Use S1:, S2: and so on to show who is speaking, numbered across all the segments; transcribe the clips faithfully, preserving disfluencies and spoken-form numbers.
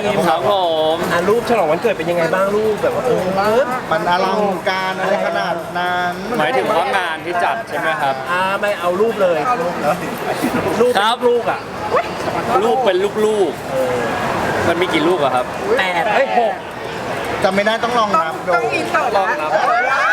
S1: ครับผม
S2: อ่ะรูปฉลองวันเกิดเป็นยังไงบ้างรูปแบบว่าเออ
S3: มันอลังการอะไรขนาดนั้น
S1: หมายถึงว่างานที่จัดใช่ไหมครับ
S2: อ่าไม่เอารูปเลยรูป
S1: ครับ
S2: ลูกอ่ะ
S1: ลูกเป็นลูกๆมันมีกี่ลูกอะครับ
S2: แปดเอ้ยหก
S3: จำไม่ได้ต้องลองนับดู
S4: ต้องอินเตอร์
S1: ลอง
S4: นะ
S1: นับ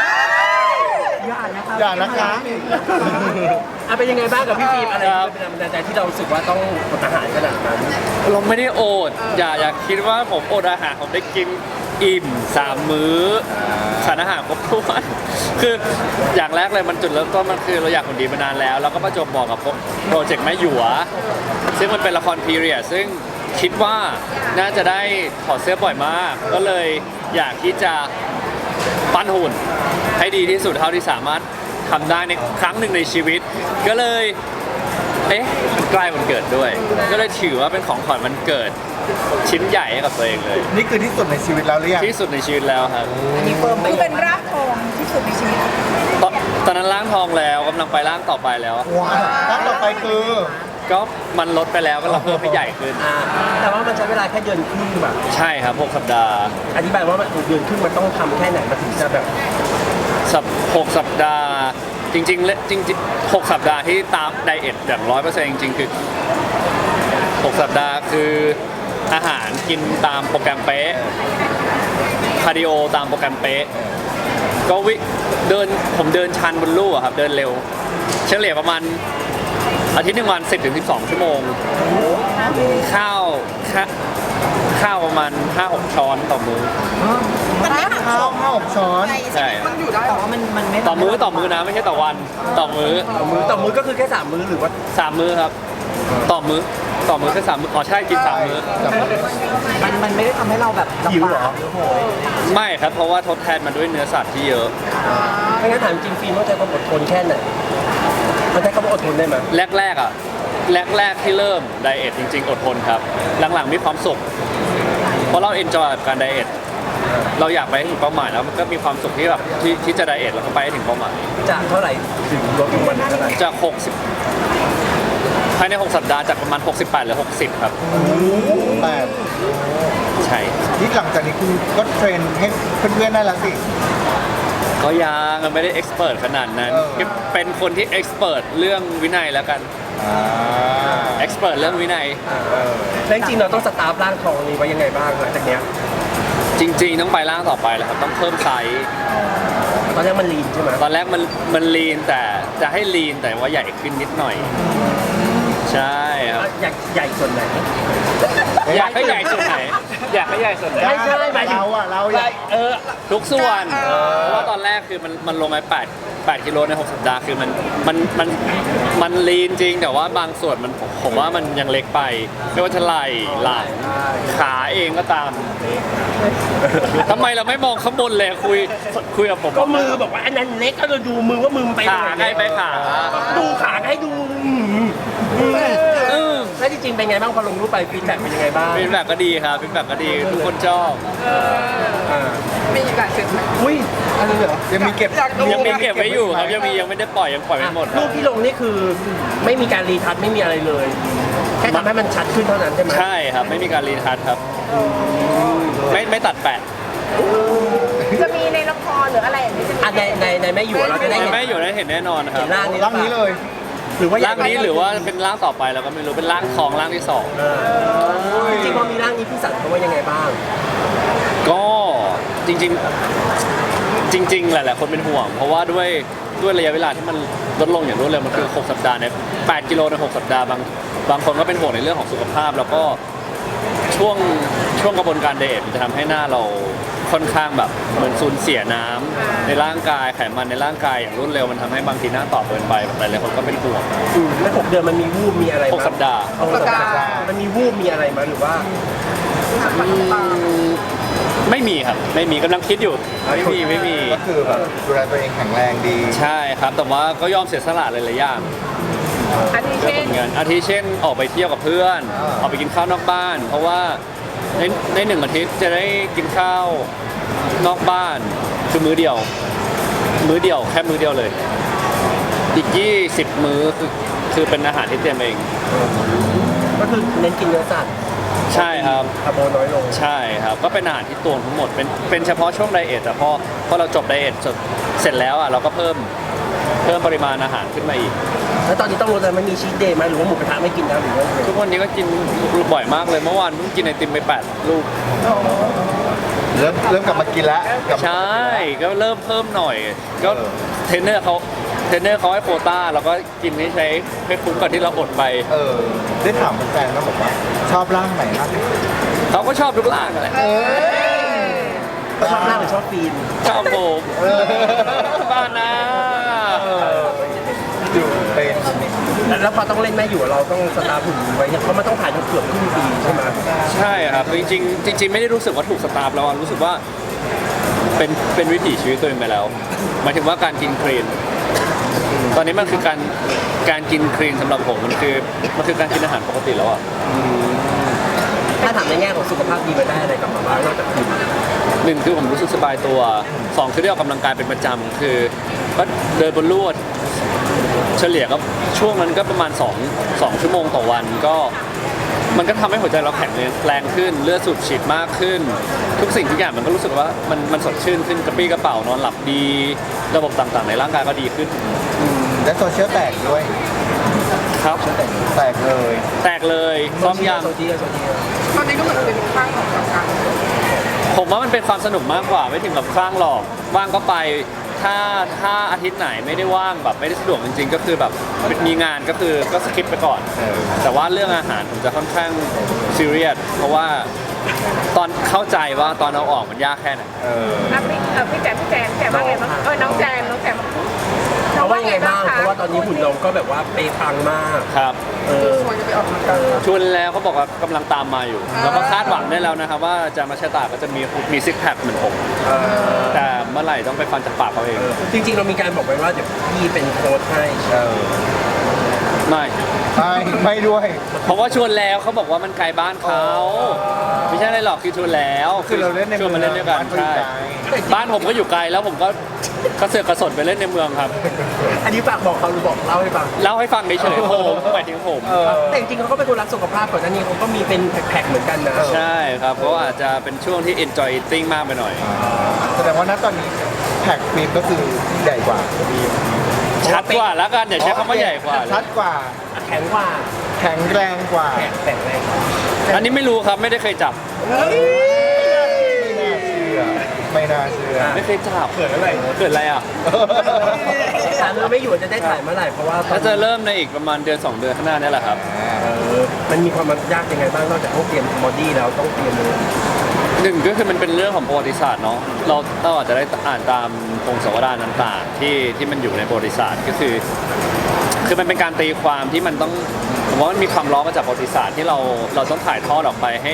S3: อย่านะคะ
S2: อ่ะเป็นยังไงบ้างกับพี่ฟิล์มอะไรที่เป็นแรงบันดาลใจที่เรารู้สึกว่าต้องอดอาหารขนาดนั้น
S1: เราไม่ได้โอด อย่าอย่าคิดว่าผมอดอาหารผมได้กินอิ่มสามมื้อสารอาหารครบถ้วน คืออย่างแรกเลยมันจุดเริ่มต้นมันคือเราอยากคนดีมานานแล้ว แล้วก็ประจวบบอกกับโปรเจกต์แม่หยวซึ่งมันเป็นละครพีเรียดซึ่งคิดว่าน่าจะได้ถอดเสื้อบ่อยมาก ก็เลยอยากที่จะปั้นหุ่นให้ดีที่สุดเท่าที่สามารถทำได้ในครั้งหนึ่งในชีวิต ก็เลย เอ๊ะมันใกล้วันเกิดด้วย ก็เลยถือว่าเป็นของขวัญวันเกิดชิ้นใหญ่ให้กับตัวเองเลย
S3: นี่คือที่สุดในชีวิตแล้วหรือยัง
S1: ที่สุดในชีวิตแล้วครับ
S2: อันนี้เฟิร์มไป
S4: คือเป็นรากทองที่สุดในชีวิต
S1: ตอนตอนนั้นร่างทองแล้วกำลังไปร่างต่อไปแล้ว
S3: ว้าวแล้วต่อไปคือ
S1: ก็มันลดไปแล้วก็เราเพิ่มให้ใหญ่ขึ้น
S2: อ่าแต่ว่ามันใช้เวลาแค่เดือนครึ่งแบบ
S1: ใช่ครับหกสัปดาห์
S2: อธิบายว่ามันเดือนครึ่งมันต้องทำแค่ไหนมันถึงจะแบบ
S1: สัปหกสัปดาห์จริงๆและจริงๆหกสัปดาห์ที่ตามไดเอทอย่างร้อยเปอร์เซ็นต์จริงๆคือหกสัปดาห์คืออาหารกินตามโปรแกรมเป๊ะคาร์ดิโอตามโปรแกรมเป๊ะก็วิเดินผมเดินชันบนลู่อะครับเดินเร็วเฉลี่ยประมาณอาทิตย์หนึ่งวันสิบถึงสิบสองชั่วโมงข้าวข้าข้าวประมาณห้าหกช้อนต่อมื้อ
S4: มันไม่หัก
S3: ข้าวข้าวหกช้อน
S1: ใช่
S4: มันอยู่ได้แต่ว่ามันมันไม่
S1: ต่อมื้อต่อมื้อนะไม่ใช่ต่อวันต่อมื้อ
S2: ต่อมื้อต่อมื้อก็คือแค่สามมื้อหรือว่า
S1: สามมื้อครับ ต่อมื้อต่อมื้อแค่สามมื้ออ๋อใช่กินสามมื้อ
S4: มันมันไม่ได้ทำให้เราแบบ
S2: หิวเหรอ
S1: ไม่ครับเพราะว่าทดแทนมาด้วยเนื้อสัตว์ที่เยอะ
S2: ไม่งั้นถามจริงฟิล์มต้องใช้ความอดทนแค่ไหนมันใช้คำว่าอดทนได้ไหม
S1: แรกๆอ่ะแรกๆที่เริ่มไดเอทจริงๆ อดทนครับ หลังๆมีความสุข เพราะเราเอนจอยกับการไดเอทเราอยากไปให้ถึงเป้าหมายแล้วมันก็มีความสุขที่แบบที่ที่จะไดเอทแล้วก็ไปให้ถึงเป้าหมาย
S2: จะเท่าไหร่ถึงลดลงมาเท่าไหร่
S1: จากหกสิบภายในหกสัปดาห์จากประมาณหกสิบแปดหรือหกสิบครับ
S3: แต่
S1: ใช่
S3: ที่หลังจากนี้คุณก็เทรนให้เพื่อนๆได้แล้วสิ
S1: ก็ยังไม่ได้เอ็กซ์เพรสขนาดนั้น
S3: เออ
S1: เป็นคนที่เอ็กซ์เพรสเรื่องวินัยแล้วกัน
S3: อ่า
S1: เอ็กซ์เพรสเรื่องวินัย
S2: แล้วจริงๆเราต้องสตาร์ฟร่างทองนี้ไว้ยังไงบ้างหลังจากเนี้ย
S1: จริงๆต้องไปร่างต่อไปแหละครับต้องเพิ่มไซส์
S2: ตอนแรกมันลีนใช่ไหม
S1: ตอนแรกมันมันลีนแต่จะให้ลีนแต่ว่าใหญ่ขึ้นนิดหน่อย ใช่ครับ
S2: อยากใหญ่ส่วนไหน
S1: อยากให้ใหญ่ส่วนไหน อยากให้ใหญ่ส่วนไหน
S2: ไม่ใช่หมายถึง
S3: เราอะเราอยาก
S2: เออ
S1: ทุกส่วนเพราะว่าตอนแรกคือมันมันลงไปแปดแปดกิโลในหกสัปดาห์คือมันมันมันมันลีนจริงแต่ว่าบางส่วนมันผมผมว่ามันยังเล็กไปไม่ว่าจะไหล่หลังขาเองก็ตามทำไมเราไม่มองข้างบนเลยคุยคุยกับผม
S2: ก็มือบอกว่าอันนั้นเล็กก็เราดูมือว่ามือมันไป
S1: ขาใกล้ไปขา
S2: ดูขาให้ดู
S1: เออ
S2: แล้วจริงๆเป็นไงบ้างพอลงรูปไปฟีดแบ็กเป็นยังไงบ้าง
S1: ฟีดแบ็กก็ดีครับฟีดแบ็กก็ดีทุกคนชอบ
S4: มีอีกหลายเซตไหม
S2: อุ้ยอะไรเหรอ
S3: ยังมีเก็บ
S4: อยากดู
S1: ยังมีเก็บไว้อยู่ครับยังมียังไม่ได้ปล่อยยังปล่อยไม่หมดค
S2: รู
S1: รับ
S2: ปที่ลงนี่คือไม่มีการรีทัชไม่มีอะไรเลย แค่ทำให้มันชัดขึ้นเท่านั้นใช่ไหม
S1: ใช่ครับไม่มีการรีทัชครับไม่ไม่ตัดแปะ
S4: จะมีในละครหรืออะไรอย่างนี้จะมี
S2: อ่ะในในในแม่อยู่เราจะได้เห็น
S1: ไม่อยู่ได้เห็นแน่นอนครับ
S2: เห็นร่างนี้
S3: ร่างนี้เลย
S2: หรือว่า
S1: ร่างนี้หรือว่าเป็นร่างต่อไปเราก็ไม่รู้เป็นร่างทองร่างที่สอง
S2: เออจริงๆพอมีร่างนี้พี่สันเขาว่ายังไงบ้าง
S1: ก็จริงๆจริง ๆ หลายๆคนเป็นห่วง เพราะว่าด้วยด้วยระยะเวลาที่มันลดลงอย่างรวดเร็วมันคือหกสัปดาห์เนี่ยแปดกิโลในหกสัปดาห์บางบางคนก็เป็นห่วงในเรื่องของสุขภาพ แล้วก็ช่วงช่วงกระบวนการไดเอทมันจะทำให้หน้าเราค่อนข้างแบบเหมือนสูญเสียน้ำในร่างกายไขมันในร่างกายอย่างรวดเร็วมันทำให้บางทีหน้าตอบเกินไปหลายๆคนก็เป็นห่วง
S2: อืมแล้วหกเดือนมันมีวูบมีอะไรไหม
S1: หกสัปดาห์
S2: หกสัปดาห์มันมีวูบมีอะไรไหมหรือว่า
S1: ไม่มีครับไม่มีกำลังคิดอยู่ไม่มีไม่มี
S3: ก็คือแบบดูแลตัวเองแข็งแรงดี
S1: ใช่ครับแต่ว่าก็ยอมเสียสละหลายๆอย่าง
S4: อาทิ
S1: เพื่อ
S4: เช่
S1: ผ
S4: น
S1: ลงานอาทิเช่นออกไปเที่ยวกับเพื่อน
S3: อ่า
S1: ออกไปกินข้าวนอกบ้าน เพราะว่าในในหนึ่งอาทิตย์จะได้กินข้าวนอกบ้าน คือมื้อเดียว มื้อเดียวแค่มื้อเดียวเลย อีกยี่สิบมื้อคือคือเป็นอาหารที่เตรียมเอง
S2: ก็คือเน้นกินเนื้อสัตว์
S1: ใช่ครับ
S2: คาร์โบน้อยลง
S1: ใช่ครับก็เป็นอาหารที่ตวงทั้งหมดเป็นเป็นเฉพาะช่วงไดเอทแต่พอพอเราจบไดเอทเสร็จเสร็จแล้วอ่ะเราก็เพิ่มเพิ่มปริมาณอาหารขึ้นมาอีก
S2: แล้วตอนนี้ต้องลดอะไรไม่มีชีทเดย์ไหมหรือว่าหมูกระทะไม่กินแล้วหรือว่าไง
S1: ทุกวันนี้ก็กินบ่อยมากเลยเมื่อวานเพิ่งกินไอติมไปแปดลูก
S3: เริ่มเริ่มกลับมากินแล้วกลับมา
S1: ใช่ก็เริ่มเพิ่มหน่อย ก็เทรนเนอร์เขาเทรนเนอร์เขาให้โควต้าเราก็กินให้ใช้ให้คุ้มกับที่เราอดไป
S3: เออได้ถามแฟนๆแล้วบอกว่าชอบร่างไหนมากที่สุด
S1: เขาก็ชอบทุกร่างแหละ
S2: ชอบหน้าหรือชอบฟีน
S1: ชอบผม
S3: เออ
S1: บ้านนะ
S3: อยู่เป็น
S2: แล้วพอต้องเล่นแม่อยู่เราต้องสตาร์ฟหุ่นไว้เนี่ยเพราะมันต้องถ่ายทั้งเกือบครึ่งปีใช่ไหม
S1: ใช่ครับจริงๆจริง ๆ ไม่ได้รู้สึกว่าถูกสตาร์ฟแล้วอะรู้สึกว่าเป็นเป็นวิถีชีวิตตัวเองไปแล้วหมายถึงว่าการกินคลีนตอนนี้มันคือการการกินคลีนสำหรับผมมันคือมันคือการกินอาหารปกติแล้วอ่ะ
S2: ถ้าถามในแง่ของสุขภาพดีมันได้อะไรกลับมาบ้างนอกจากฟีน
S1: หนึ่งคือผมรู้สึกสบายตัวสองคือได้ออกกำลังกายเป็นประจำคือก็เดินบนลู่เฉลี่ยก็ช่วงนั้นก็ประมาณ2 2ชั่วโมงต่อวันก็มันก็ทำให้หัวใจเราแข็งแรงขึ้นเลือดสูบฉีดมากขึ้น ทุกสิ่งทุกอย่างมันก็รู้สึกว่ามันมันสดชื่นขึ้นกระปรี้กระเป๋านอนหลับดี ระบบต่างๆในร่างกายก็ดีขึ้น
S3: และโซเชียลแตกด้วย
S1: ครับ
S3: แตกเลย
S1: แตกเลยซ้อมยัง
S2: โซเชียลโซเชียล
S4: ตอนนี้ก็เหมือนเป็นข้างของการ
S1: ผมว่ามันเป็นความสนุกมากกว่าไม่ถึงกับคลั่งหรอกว่างก็ไปถ้าถ้าอาทิตย์ไหนไม่ได้ว่างแบบไม่ได้สะดวกจริงๆ ก็คือแบบมีงานก็คือก็สคิปไปก่อน
S3: เออ
S1: แต่ว่าเรื่องอาหารผมจะค่อนข้างซีเรียสเพราะว่าตอนเข้าใจว่าตอนเอาออกมันยากแค่ไหน
S3: เออ
S4: อ่ะพี่เออพี่แจมพี่แจมแจมว่าไงบ้างเออน้องแจมน้องแจม
S2: เขาว่ายังไงบ้างเพราะว่าตอนนี้หุ่นเราก็แบบว่าเปย์ปังมาก
S1: ครับ
S2: เออ
S4: ควรจะไปออกกำลังกาย
S1: ชวนแล้วเขาบอกว่ากำลังตามมาอยู่ แล้วก็คาดหวังได้แล้วนะครับว่าอาจารย์มาชตาก็จะมีมีซิกแพคเหมือนผม
S2: เออ
S1: แต่เมื่อไหร่ต้องไปฟังจากปากเขาเอง
S2: จริงๆเรามีการบอกไว้ว่าเดี๋ยวพี่เป็นโค้ชให้
S3: เออ
S1: ไม่
S3: ไม่ไม่ด้วย
S1: เพราะว่าชวนแล้วเขาบอกว่ามันไกลบ้านเขาไม่ใช่อะไรหรอกคือชวนแล้ว
S3: คือเราเล่นใน
S1: ชวนมาเล่นด้วยกัน
S3: บ้านเขาอยู่
S1: ใช่
S3: ไกล
S1: บ้านผมก็อยู่ไกลแล้วผมก็กระเสือกกระสนไปเล่นในเมืองครับ
S2: อันนี้ฝากบอกเขาหรือบอกเล่าให้ฟัง
S1: เล่าให้ฟังเฉยๆผมหมายถึงผม
S3: เออ
S2: แต่จริงๆเขาก็เป็นคนรักสุขภาพก่อนหน้านี้เขาก็มีเป็นแพ็คๆเหมือนกันนะ
S1: ใช่ครับเพราะว่าอาจจะเป็นช่วงที่ enjoy eating มากไปหน่อย
S3: แสดงว่าณตอนนี้แพ็กฟิล์มก็คือใหญ่กว่า
S1: ชัดกว่าแล้วกันอย่าใช้คำว่าใหญ่กว่าเลย
S3: ชัดกว่า
S2: แข็งกว่า
S3: แข็งแรงกว่า
S2: แข็งแข็งแรงกว่า
S1: อันนี้ไม่รู้ครับไม่ได้เคยจับ
S3: ไม่น่าเชื่อ ไม่น่าเชื่อ
S1: ไม่เคยจับ
S2: เกิดอะไร
S1: เกิดอะไรอ่ะ
S2: ถามเราไม่อยู่จะได้ถ่ายเมื่อไหร่เพราะว่าตอ
S1: ถ้าน จะเริ่มในอีกประมาณเดือนสองเดือนข้างหน้านี่แหละครับ
S2: เออมันมีความยากยังไงบ้างนอกจากต้องเตรียมบอดี้แล้วต้องเตรียมเลย
S1: หนึ่งก็คือมันเป็นเรื่องของประวัติศาสตร์เนาะเราเราอาจจะได้อ่านตามพงศาวดารต่างๆที่ที่มันอยู่ในประวัติศาสตร์ก็คือ คือมันเป็นการตีความที่มันต้องผมว่ามันมีความล้อมาจากประวัติศาสตร์ที่เราเราต้องถ่ายทอดออกไปให้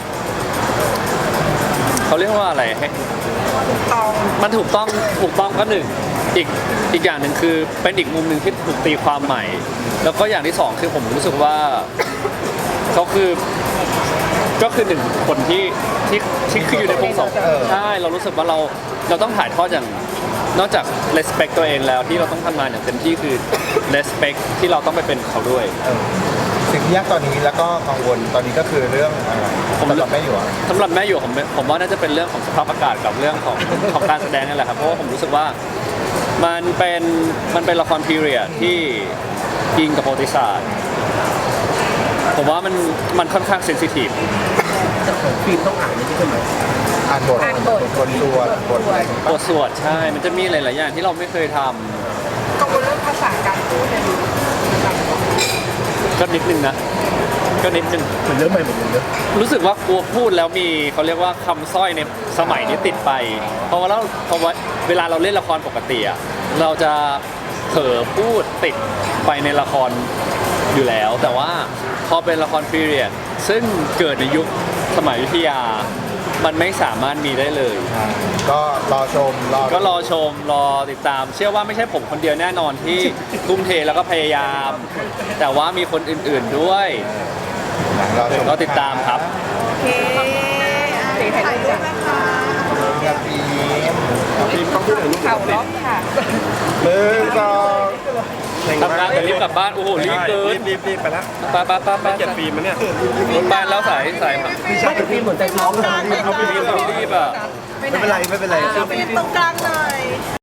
S1: เขาเรียกว่าอะไรให้มันถูกต้องถูกต้องก็หนึ่งอีกอีกอย่างหนึ่งคือเป็นอีกมุมหนึ่งที่ถูกตีความใหม่ แล้วก็อย่างที่สองคือผมรู้สึกว่าเขาคือก็คือหนึ่งคนที่ที่ที่คืออยู่ในพงศาวดารใช่เรารู้สึกว่าเราเราต้องถ่ายทอดอย่างนอกจาก respect ตัวเองแล้วที่เราต้องทำงานอย่างเต็มที่คือ respect ที่เราต้องไปเป็นเขาด้วย
S3: เออสิ่งที่ยากตอนนี้แล้วก็กังวลตอนนี้ก็คือเรื่องอะไร
S1: ผม
S3: สำหรับแม่อยู่อะ
S1: สำหรับแม่อยู่ผมผมว่าน่าจะเป็นเรื่องของสภาพอากาศกับเรื่องของของการแสดงนี่แหละครับเพราะว่าผมรู้สึกว่ามันเป็นมันเป็นละครพีเรียดที่อิงกับประวัติศาสตร์ผมว่ามันมันค่อนข้างเซนซิทีฟ
S2: แต่ของฟิล์มต้องอ่านนี่ใช่ไหม
S3: อ่านบท
S4: อ่านบท
S3: บทตัวบทอะไรอย่างงี้
S1: บ
S3: ปะ
S1: ทสวดใช่ มันจะมีหลาย ๆ อย่างที่เราไม่เคยทำ
S4: กังวลเรื่องภาษาการพูดเนี่ยดู
S1: ก็นิดนึงนะก็นิดนึง
S2: เหมือนเรื่องใหม่เหมือนเดิม
S1: รู้สึกว่ากลัวพูดแล้วมีเขาเรียกว่าคำสร้อยในสมัยนี้ติดไป เพราะว่าเราเพราะว่าเวลาเราเล่นละครปกติอะเราจะเผลอพูดติดไปในละครอยู่แล้ว แต่ว่าพอเป็นละครพีเรียดซึ่งเกิดในยุคสมัยอยุธยา มันไม่สามารถมีได้เลย
S3: อ่าก็รอชมรอ
S1: ก็รอชมรอติดตาม เชื่อว่าไม่ใช่ผมคนเดียวแน่นอนที่ ทุ่มเทแล้วก็พยายาม แต่ว่ามีคนอื่น ๆด้วย
S3: รอชม
S1: ก็ติดตามครับ
S4: โอเคสีถ่ายรูปนะคะ
S3: กับพีม
S2: ฟิล์มต้องพูดถึงรูป
S4: เข่าล็อกค่ะ
S3: หนึ่งสอง
S1: ทำงานแต่รีบกลับบ้านโอ้โหรีบเกิน
S5: รีบรีบไปแล้ว
S1: ไปไปไปไป
S5: เก็บฟิล์มมันเนี่ย
S1: รถบ้านแล้วสายสายมา
S2: ไม่แต่ฟิล์มเหมือนใจท้องเลย
S1: เขาไปรีบเขารีบอ่ะ
S3: ไม่เป็นไรไม่เป็นไร
S4: เป็นตรงกลางหน่อย